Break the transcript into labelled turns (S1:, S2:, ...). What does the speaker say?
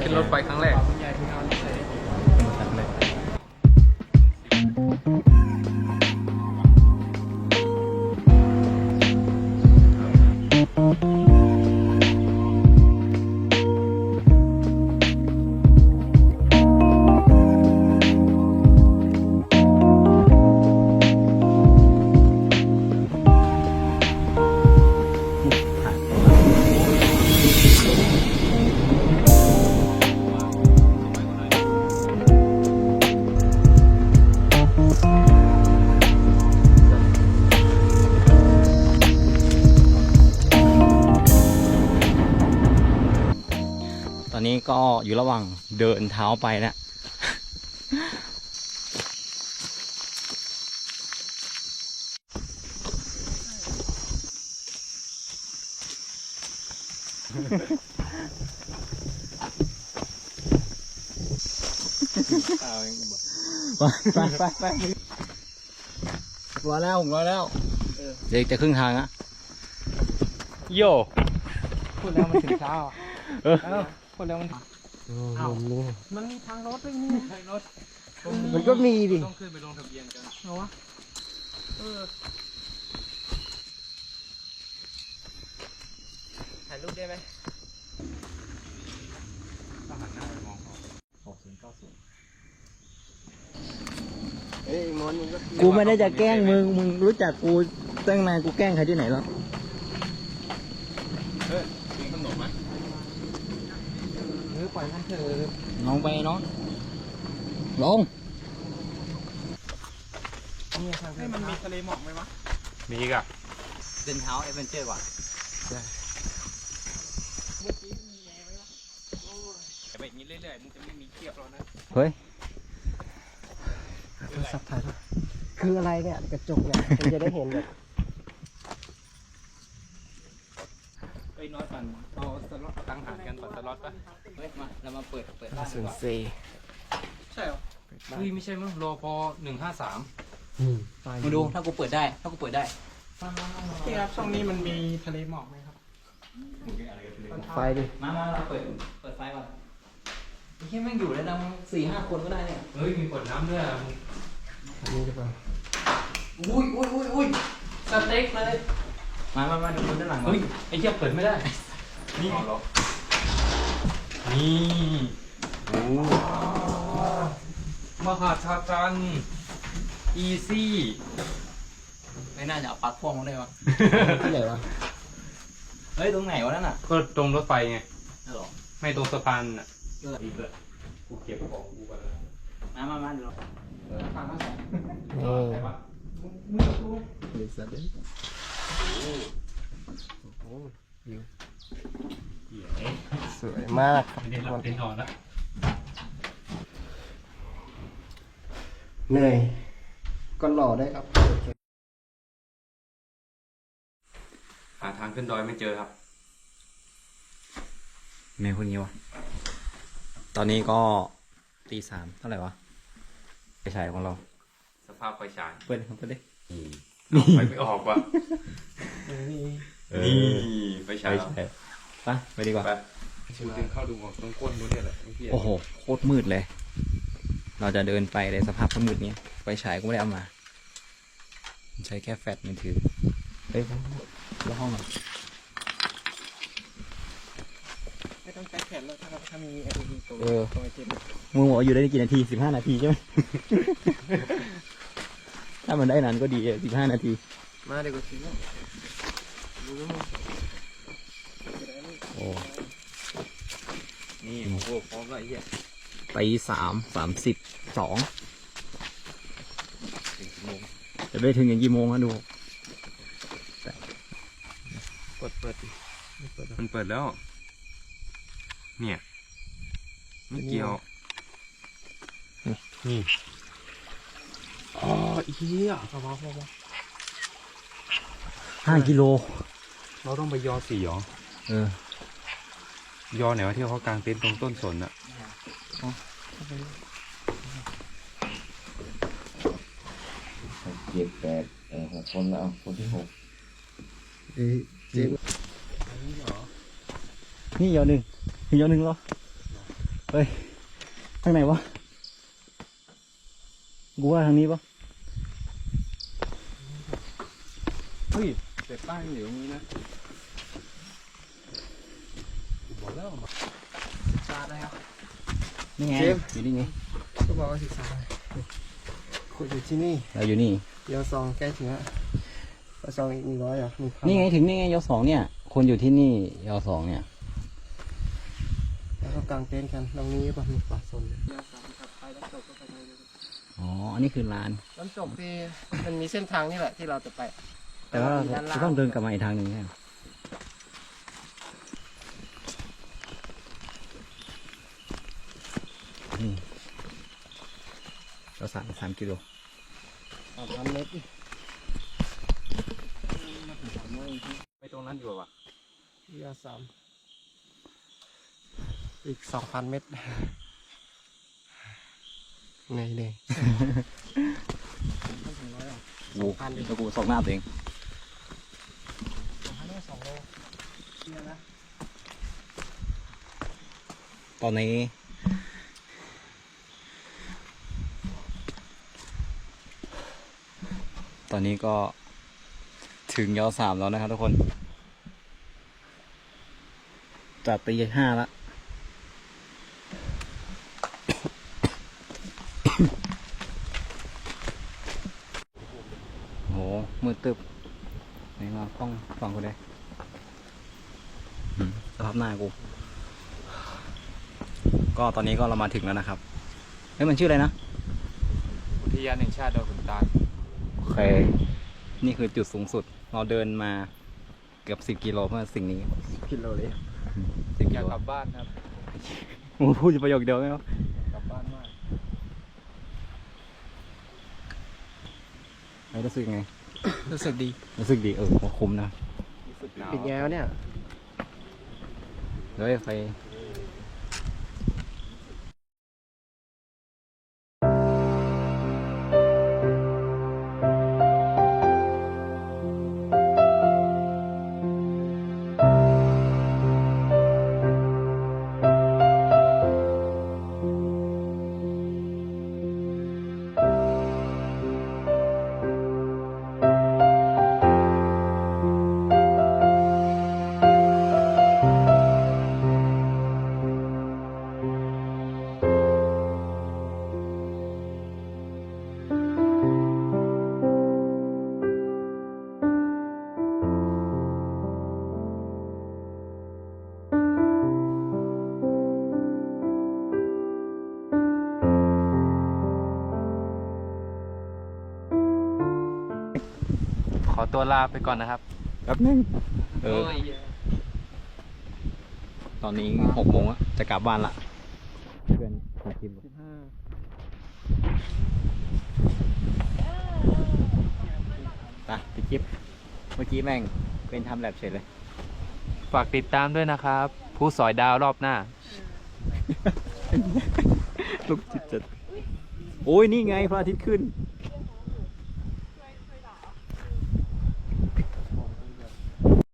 S1: ขึ้นรถไฟครั้งแรกตอนนี้ก็อยู่ระหว่างเดินเท้าไปนะไปรอแล้วเดี๋ยวจะครึ่งทางอะโย่
S2: พูดแล้วมันถึงเช้าพูดแล้วมันมันมีทางรถด้วยนี่ทางรถ
S3: มันก็มีดิ
S1: ต้องขึ้นไปลงทะเบียนกัน
S2: เหรอวะถ่ายรูปได้ไหม
S1: ต้องหันหน้าไปมองเขา
S3: เอ้ยมอนมึงก็
S2: กูไม่ได้จะแกล้งมึงรู้จักกูตั้งนานกูแกล้งใครที่ไหนหรอ
S1: มีขนมไหม
S2: ปล่อยมันเถอะ
S3: ลงไปเนาะลง
S2: นี่ทางให้มันมีทะเลหมอกไหมวะ
S1: มีอีกอะ
S3: เดินเท้าเอเวนเจอร์ว่ะ
S1: แต่แบบนี้เรื่อยๆมึงจะไม่มีเทียบแล้วนะ
S3: เฮ้ย
S2: โทรศัพท์ถ่ายด้วยคืออะไรเนี่ยกระจกเนี่ยมันจะได้เห็นแบบ
S1: เอ้ยน้อยก่อนเอาสล็อตตั้งหารกันก่อนสล็อตป่ะ
S3: เฮ้ยมาเรามาเปิด
S2: บ้านดีกว่า
S1: ใช่เหรอเฮ้ยไม่ใช่มั้งรอพอ153
S3: มาดูถ้ากูเปิดได้
S2: พี่ครับช่องนี้มันมีทะเลหมอกไหมครับไฟดิ
S3: มาเราเปิดไฟก่อนแค่แม่งอยู่ได้นะ4-5 คนก็ได้เนี่ย
S1: เฮ้ยมีขวดน้ำด้วย
S2: นี่ดีกว่า
S3: อุ้ย
S1: สเต็กเลย
S3: มาดูคนด้านหลัง
S1: เฮ้ยไอ้เหี้ยเปิดไม่ได้นี่นี่โอ้มหาชาจันอีซี่
S3: ไม่น่าจะเอาปลั๊กพ่วงมาได้วะ
S2: ที่ไหนวะ
S3: เฮ้ยตรงไหนวะนั่นน่ะ
S1: ก็ตรงรถไฟไง
S3: หรอ
S1: ไม่ตรงสะพานอ่ะดีเลยกูเก็บของกูกันแล้ว
S3: มาเดี๋ยว
S2: ทางมาสอง
S3: เด็กสัตว์เลย
S2: สวยมาก
S1: ไม่ได้หลับได้นอนแล้ว
S2: เหนื่อยก็หล่อได้ครับ
S1: หาทางขึ้นดอยไม่เจอครับ
S3: เมย์คนนี้วะตอนนี้ก็3:00เท่าไหร่วะไปฉายของเรา
S1: สภาพไฟฉาย
S3: เปิดดิ
S1: ไฟไม่ออกว่ะนี่ไฟฉาย
S3: ไปดีกว่า
S1: ชูดึงเข้าดูของต้องก้นนู้นเนี่ยแหละ
S3: โอ้โหโคตรมืดเลยเราจะเดินไปในสภาพมืดนี้ไฟฉายก็ไม่ได้เอามาใช้แค่แฟลชมือถือเฮ้ยแล้วห้องอ่ะ
S2: ไม่ต้องใช้แขนแล้วถ้ามี LED ตัว
S3: มึงบอกอยู่ได้กี่นาที15 นาทีใช่ไหม ถ้ามันได้นานก็ดี15 นาที
S2: มาเดี๋ยวก็ถึงแล้ว
S3: โอ้
S1: นี่โอ้โหพร้อมแล้วไอ้เหี้ย
S3: ไป3:32จะไปถึงอย่างกี่โมงฮะดู
S2: เปิด
S1: มันเปิดแล้วเนี่ยไม่เกี่ยวนี่อ๋อเหี้ย
S3: 5 กิโล
S1: เราต้องไปยอ4หรอยอไหนวะที่เขากางเต็นท์ตรงต้นสนอะ
S3: 7 8 6 คนแล้วคนที่6นี่ยอ1เหรอเฮ้ยทางไหนวะกูว่าทางนี้ปะ
S1: เฮ้ยแต่ป้ายอยู่ตรงนี้นะบอกแล้วมา
S2: ศึกษาได้ครับ
S3: นี่ไง
S2: เจมส์
S3: อยู่นี่ไง
S2: ก็บอกว่าศึกษาได้ขุดอยู่ที่นี่
S3: เราอยู่นี่
S2: เดี๋ยวซองใกล้ถึงแล้วซองอีก100อ่ะมีพั
S3: นี่ไงถึงนี่ไงยสองเนี่ย คนอยู่ที่นี่ยสองเนี่ย
S2: แล้วก็กางเต็นท์กันตรงนี้ป่ะมีป่าสนไปน้ำตกก็ไปทางนี้
S3: อ๋อ อันนี้คือลาน
S2: น้ำตกที่มันมีเส้นทางนี่แหละที่เราจะไป
S3: แต่ว่า
S2: มีด้นล่
S3: เราต้องเดินกลับมาอีกทางหนึ่งใช่ไหมนี่เรา3 กิโล
S2: 3 เมตร
S1: ไปตรงนั้นอยู่ป่ะ
S2: ยา3อีก 2,000 เมตรไงเนี่ย
S3: โอ้โหแล้วกูสองหน้าตัวเอง
S2: 2 โลเนี่ยนะ
S3: ตอนนี้ ตอนนี้ก็ถึงย3แล้วนะครับทุกคนจากตี 5แล้ว โห มืดตึบไหนมากล้องฟังกูได้สภาพหน้ากู ก็ตอนนี้ก็เรามาถึงแล้วนะครับเฮ้ยมันชื่ออะไรนะ
S1: อุทยานแห่งชาติดอยขุนตาล
S3: โอเค นี่คือจุดสูงสุด เราเดินมาเกือบ10 กิโลเพื่อสิ่งนี้
S2: กิโลเลย
S3: 10
S1: อ
S3: กิ
S1: ยาก
S3: โล
S1: กลับบ้านครับ
S3: โอ้พูดอยู่ประโยคเดียวไหมครับ
S1: กลับบ้านมาก
S3: ไม่รู้สึกยังไง
S2: รู้สึกดี
S3: รู้สึกดีคุ้มนะ
S1: รู้สึกหนาว
S2: ปิดแง้วเนี่ย
S3: เดี๋ยวไป
S1: ขอตัวลาไปก่อนนะครับ
S3: แป๊บนึงตอนนี้6 โมงแล้วจะกลับบ้านละเพื่อนของทีมพี่จิ๊บเมื่อกี้แม่งเป็นทำแลบเฉยเลย
S1: ฝากติดตามด้วยนะครับ ผู้สอยดาวรอบหน้า
S3: ลูกจิตจัดโอ้ยนี่ไงพระอาทิตย์ขึ้น